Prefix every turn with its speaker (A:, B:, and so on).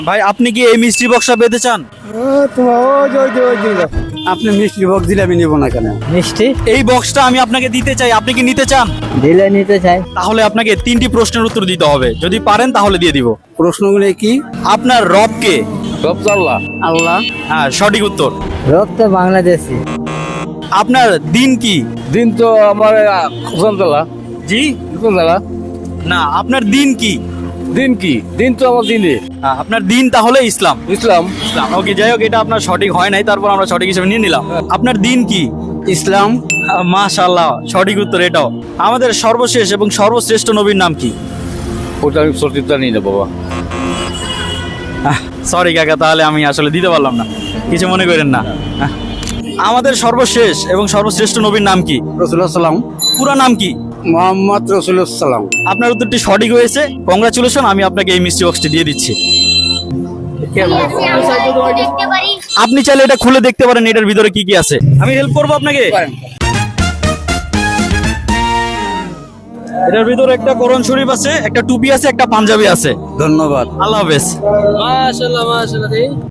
A: ভাই আপনি কি এই মিষ্টি বক্সটা পেতে চান?
B: আপনি মিষ্টি ভোগ দিলে আমি নিব না কেন?
C: মিষ্টি
A: এই বক্সটা আমি আপনাকে দিতে চাই, আপনি কি নিতে চান?
C: দিলে নিতে চাই।
A: তাহলে আপনাকে 3টি প্রশ্নের উত্তর দিতে হবে, যদি পারেন তাহলে দিয়ে দিব।
B: প্রশ্নগুলো কি?
A: আপনার রব কে?
B: আল্লাহ। আল্লাহ।
A: হ্যাঁ, সঠিক উত্তর।
C: রব তো বাংলাদেশি।
A: আপনার দিন কি?
B: দিন তো আমার কুসন্তলা।
A: জি
B: কুসন্তলা।
A: না, আপনার দিন কি?
B: দিন কি? দিন তো আমার দিনে
A: হ্যাঁ, আপনার দিন তাহলে ইসলাম।
B: ইসলাম।
A: ইসলাম, ওকে, যাই হোক, এটা আপনার সঠিক হয় নাই, তারপর আমরা সঠিক হিসেবে নিয়ে নিলাম। আপনার দিন কি?
B: ইসলাম।
A: মাশাআল্লাহ, সঠিক উত্তর এটাও। আমাদের সর্বশেষ এবং সর্বশ্রেষ্ঠ নবীর নাম কি?
B: ওটা আমি সঠিক জানি না বাবা।
A: সরি কাকা, তাহলে আমি আসলে দিতে পারলাম না, কিছু মনে করেন না। আমাদের সর্বশেষ এবং সর্বশ্রেষ্ঠ নবীর নাম কি?
B: রসুল্লাহ সাল্লাম।
A: পুরো নাম কি?
B: মোহাম্মদ রসুল্লাহ সাল্লাম।
A: আপনার উত্তরটি সঠিক হয়েছে, কংগ্রাচুলেশন, আমি আপনাকে এই মিষ্টি বক্সটি দিয়ে দিচ্ছি। আপনি চাইলে এটা খুলে দেখতে পারেন, এটার ভিতরে কি কি আছে। আমি হেল্প করবো আপনাকে। এটার ভিতরে একটা কোরআন শরীফ আছে, একটা টুপি আছে, একটা পাঞ্জাবি আছে।
B: ধন্যবাদ।
A: আল্লাহ হাফেজ।
C: মাশাআল্লাহ মাশাআল্লাহ।